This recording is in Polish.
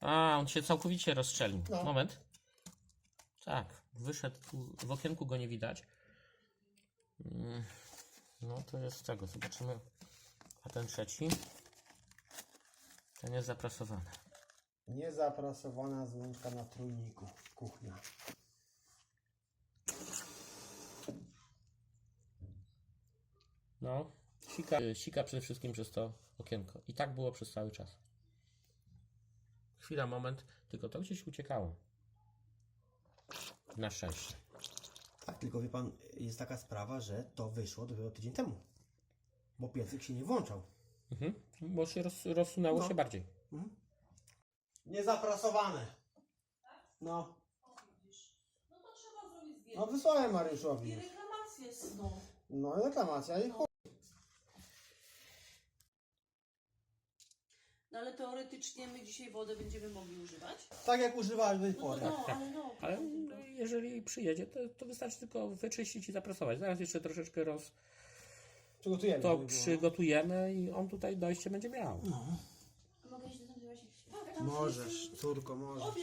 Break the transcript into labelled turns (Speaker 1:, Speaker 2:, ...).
Speaker 1: A, on się całkowicie rozstrzelił.
Speaker 2: No.
Speaker 1: Moment. Tak, wyszedł tu, w okienku go nie widać. No to jest z tego, zobaczymy. A ten trzeci? Ten jest zaprasowany.
Speaker 2: Niezaprasowana złączka na trójniku. Kuchnia.
Speaker 1: No, sika przede wszystkim przez to okienko. I tak było przez cały czas. Chwila, moment, tylko to gdzieś uciekało. Na szczęście.
Speaker 2: Tak, tylko wie pan, jest taka sprawa, że to wyszło dopiero tydzień temu. Bo piecyk się nie włączał.
Speaker 1: Bo się rozsunęło
Speaker 2: No.
Speaker 1: się bardziej.
Speaker 2: Niezaprasowane. No.
Speaker 3: No to trzeba zrobić zdjęcie.
Speaker 2: No wysłałem Mariuszowi.
Speaker 3: I reklamację no.
Speaker 2: No i reklamacja i chuj.
Speaker 3: No ale teoretycznie my dzisiaj wodę będziemy mogli używać?
Speaker 2: Tak jak używałeś do tej pory.
Speaker 1: Ale jeżeli przyjedzie, to wystarczy tylko wyczyścić i zaprasować. Zaraz jeszcze troszeczkę
Speaker 2: Przygotujemy.
Speaker 1: to
Speaker 2: żeby było.
Speaker 1: przygotujemy i on tutaj dojście będzie miał.
Speaker 2: No.
Speaker 3: Mogę iść do tam
Speaker 2: Możesz, córko, możesz.